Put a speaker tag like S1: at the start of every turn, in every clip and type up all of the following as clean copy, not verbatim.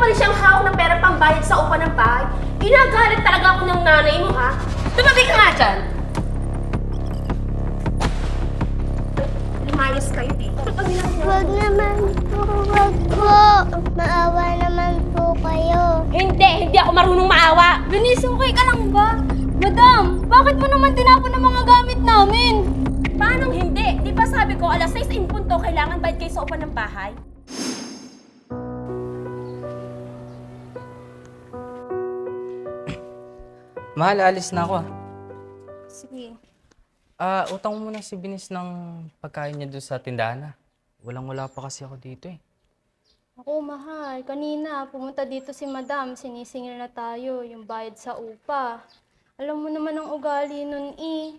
S1: pa rin siyang hawak ng pera pambayad sa upa ng bahay. Ginagalit talaga ako ng nanay mo, ha? Tumabi ka nga dyan! Lumayas kayo dito.
S2: Wag naman po, wag po. Maawa naman po kayo.
S1: Hindi ako marunong maawa.
S3: Denise, okay ka lang ba? Madam, bakit mo naman tinapon ang mga gamit namin?
S1: Paano hindi? Di ba sabi ko, alas 6 in punto, kailangan bayad kayo sa upa ng bahay?
S4: Mahal, alis na ako.
S3: Sige.
S4: Utang mo muna si Binis ng pagkain niya doon sa tindahan. Walang-wala pa kasi ako dito eh.
S3: Ako, mahal. Kanina, pumunta dito si Madam. Sinisingil na tayo yung bayad sa upa. Alam mo naman ang ugali nun eh.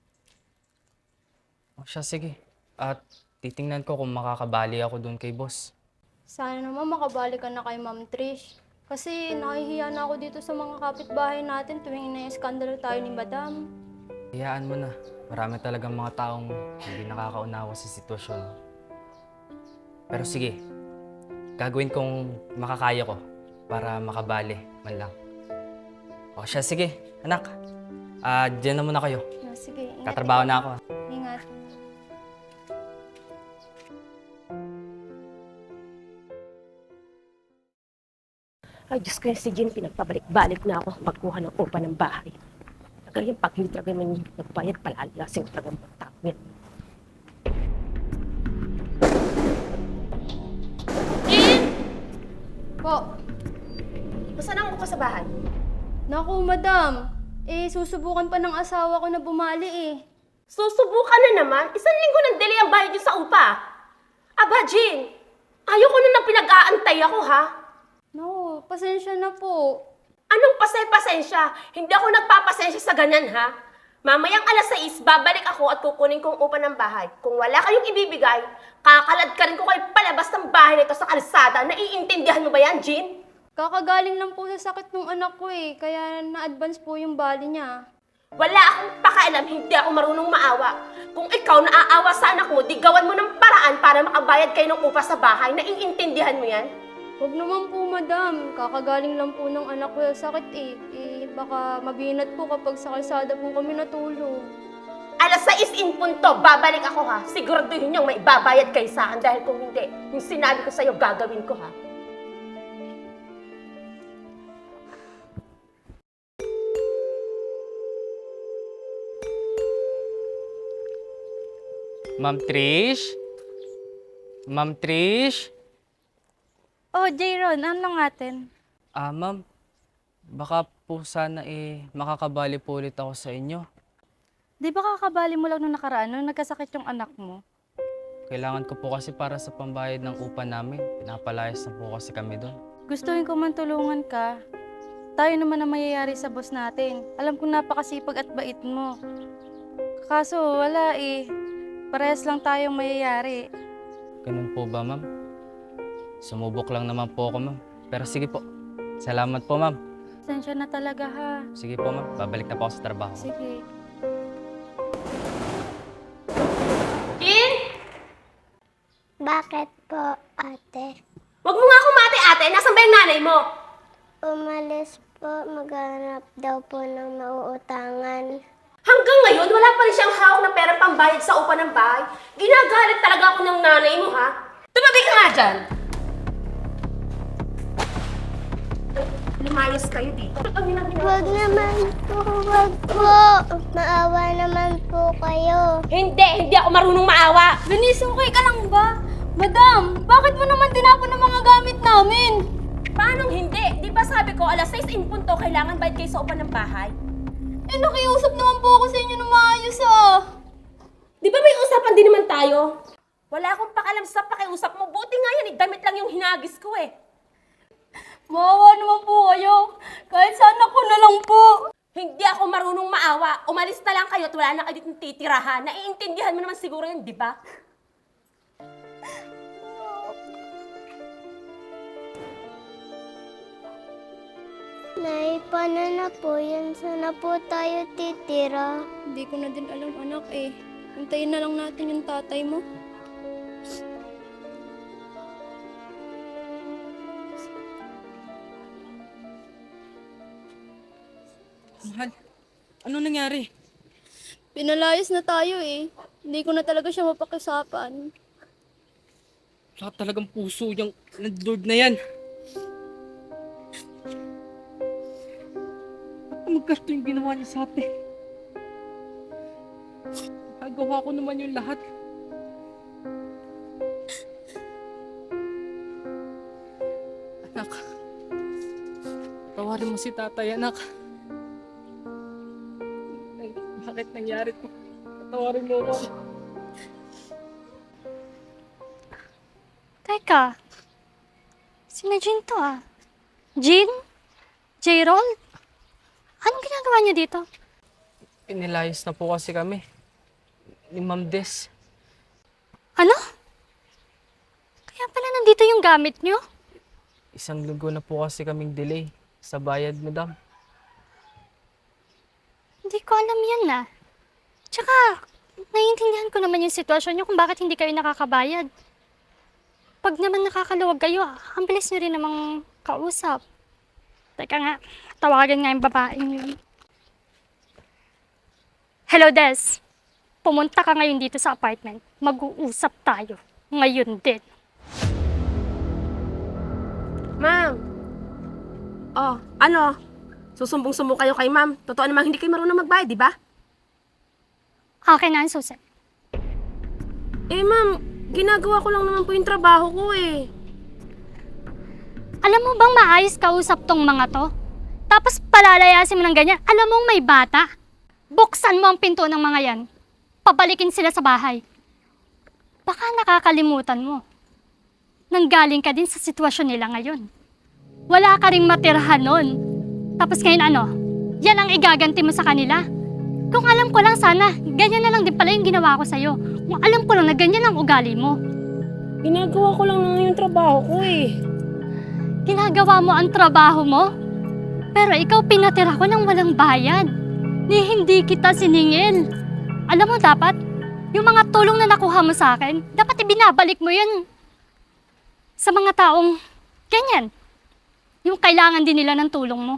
S4: O siya, sige. At titingnan ko kung makakabali ako doon kay boss.
S3: Sana naman makabalik ka na kay Ma'am Trish. Kasi nahihiya na ako dito sa mga kapitbahay natin tuwing ina-eskandalo tayo ni Madam.
S4: Hayaan mo na. Marami talagang mga taong hindi nakakaunawa sa sitwasyon. Pero sige, gagawin kong makakaya ko para makabali man lang. O siya, sige. Anak, diyan na muna kayo.
S3: Sige, ingat.
S4: Katrabaho na ako.
S3: Ingat.
S1: Ay, Diyos ko, si Jean, pinagpabalik-balik na ako magkuha ng upa ng bahay. Talaga yung pag hindi talaga man nagbayad, palalasin talaga ang tao yan.
S3: Po,
S1: Nasaan ang upa sa bahay?
S3: naku Madam. Susubukan pa ng asawa ko na bumali eh.
S1: Susubukan na naman. Isang linggo ng delay ang bayad niyo sa upa. Aba, Jean, ayoko na nang pinag-aantay ako, ha?
S3: No, pasensya na po.
S1: Anong pasensya? Hindi ako nagpapasensya sa ganyan, ha? Mamayang alas 6, babalik ako at kukunin kong upa ng bahay. Kung wala kayong ibibigay, kakalad ka rin ko kayo palabas ng bahay nito sa kalsada. Naiintindihan mo ba yan, Jean?
S3: Kakagaling lang po sa sakit ng anak ko eh, kaya na-advance po yung bali niya.
S1: Wala akong pakialam, hindi ako marunong maawa. Kung ikaw naaawa sa anak mo, di gawan mo ng paraan para makabayad kayo ng upa sa bahay. Naiintindihan mo yan?
S3: Huwag naman po, Madam. Kakagaling lang po ng anak ko sa sakit eh. Baka mabinat po kapag sa kalsada po kami natulog.
S1: Alas 6 in punto, babalik ako, ha? Siguraduhin niyong may babayad kayo sa akin dahil kung hindi, yung sinabi ko sa'yo, gagawin ko, ha?
S4: Ma'am Trish? Ma'am Trish?
S3: Oh, Jayron, ano natin?
S4: Ma'am, baka po sana makakabali po ulit ako sa inyo.
S3: Di ba kakabali mo lang nung nakaraan nung nagkasakit yung anak mo?
S4: Kailangan ko po kasi para sa pambayad ng upa namin. Pinapalayas na po kasi kami doon.
S3: Gustuhin ko man tulungan ka. Tayo naman ang mayayari sa boss natin. Alam kong napakasipag at bait mo. Kaso wala eh. Parehas lang tayong mayayari.
S4: Ganun po ba, ma'am? Sumubok lang naman po ako, ma'am. Pero sige po. Salamat po, ma'am.
S3: Pasensya na talaga ha.
S4: Sige po, ma'am. Babalik na po ako sa trabaho.
S3: Sige.
S1: Jean!
S2: Bakit po, ate?
S1: Huwag mo nga kumate, ate. Nasaan ba yung nanay mo?
S2: Umalis po, maghanap daw po ng mauutangan.
S1: Hanggang ngayon, wala pa rin siyang hawak ng pera pambayad sa upa ng bahay. Ginagalit talaga ako ng nanay mo, ha? Tumabi ka nga dyan! Lumayas kayo dito.
S2: Wag naman po, wag po. Maawa naman po kayo.
S1: Hindi ako marunong maawa.
S3: Denise, okay ka lang ba? Madam, bakit mo naman tinapon ang mga gamit namin?
S1: Paano hindi? Di ba sabi ko, alas 6 in punto, kailangan bayad kayo sa upa ng bahay?
S3: Nakiusap naman po ako sa inyo na maayos
S1: Di ba may usapan din naman tayo? Wala akong pakalam sa pakiusap mo. Buti nga yan, damit lang yung hinagis ko eh.
S3: Maawa naman po kayo. Kahit sana ko na lang po.
S1: Hindi ako marunong maawa. Umalis na lang kayo at wala na kayo ditong titirahan. Naiintindihan mo naman siguro yun, di ba?
S2: Nay, paano na po yan? Sana po tayo titira.
S3: Hindi ko na din alam, anak eh. Hintayin na lang natin yung tatay mo.
S4: Mahal, ano nangyari?
S3: Pinalayas na tayo eh. Hindi ko na talaga siya mapakisapan.
S4: Wala talagang puso yung landlord na yan. Ba't magkasto yung ginawa niya sa atin? Nagawa ko naman yung lahat. Anak, tawarin mo si tatay, anak. Bakit nangyari to? Tawarin mo ako.
S5: Teka, sina Jean to ah. Jean? J-Roll? Anong ginagawa niyo dito?
S4: Inilayas na po kasi kami. Ni Ma'am Des.
S5: Ano? Kaya pala nandito yung gamit niyo?
S4: Isang linggo na po kasi kaming delay sa bayad, madam.
S5: Hindi ko alam yan ah. Tsaka, naiintindihan ko naman yung sitwasyon niyo kung bakit hindi kayo nakakabayad. Pag naman nakakaluwag kayo, ang bilis niyo rin namang kausap. Teka nga, tawagan nga yung babaeng yun. Hello, Des. Pumunta ka ngayon dito sa apartment. Mag-uusap tayo. Ngayon din.
S1: Ma'am. Oh, ano? Susumbong-sumbong kayo kay ma'am. Totoo namang hindi kayo marunong magbayad, di ba?
S5: Akin na ang susi.
S1: Eh, ma'am, ginagawa ko lang naman po yung trabaho ko eh.
S5: Alam mo bang maayos kausap tong mga to? Tapos palalayasin mo ng ganyan. Alam mong may bata. Buksan mo ang pinto ng mga yan. Pabalikin sila sa bahay. Baka nakakalimutan mo. Nanggaling ka din sa sitwasyon nila ngayon. Wala ka ring matirhan nun. Tapos ngayon ano? Yan ang igaganti mo sa kanila. Kung alam ko lang sana, ganyan na lang din pala yung ginawa ko sa'yo. Kung alam ko lang na ganyan ang ugali mo.
S1: Ginagawa ko lang naman yung trabaho ko eh.
S5: Ginagawa mo ang trabaho mo? Pero ikaw pinatira ko ng walang bayad. Ni hindi kita siningil. Alam mo dapat, yung mga tulong na nakuha mo sa akin, dapat ibinabalik mo yan sa mga taong ganyan. Yung kailangan din nila ng tulong mo.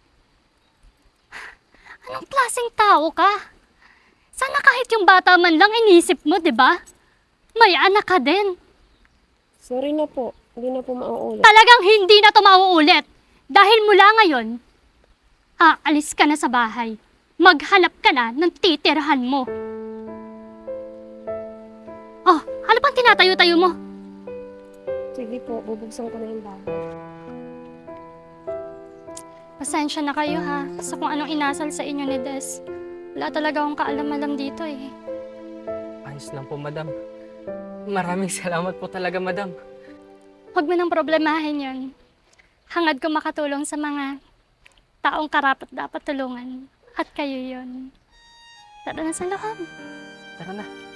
S5: Anong klaseng tao ka? Sana kahit yung bata man lang inisip mo, di ba? May anak ka din.
S1: Sorry na po. Hindi na po mauulit.
S5: Talagang hindi na to mauulit. Dahil mula ngayon, aalis ka na sa bahay. Maghanap ka na ng titirhan mo. Oh, ano pang tinatayo-tayo mo?
S1: Sige po, bubuksan ko na yung bago.
S5: Pasensya na kayo ha, sa kung anong inasal sa inyo ni Des. Wala talaga akong kaalam-alam dito eh.
S4: Ayos lang po, madam. Maraming salamat po talaga, madam.
S5: Huwag mo nang problemahin yun. Hangad ko makatulong sa mga taong karapat dapat tulungan. At kayo yun. Tara na sa loob.
S4: Tara na.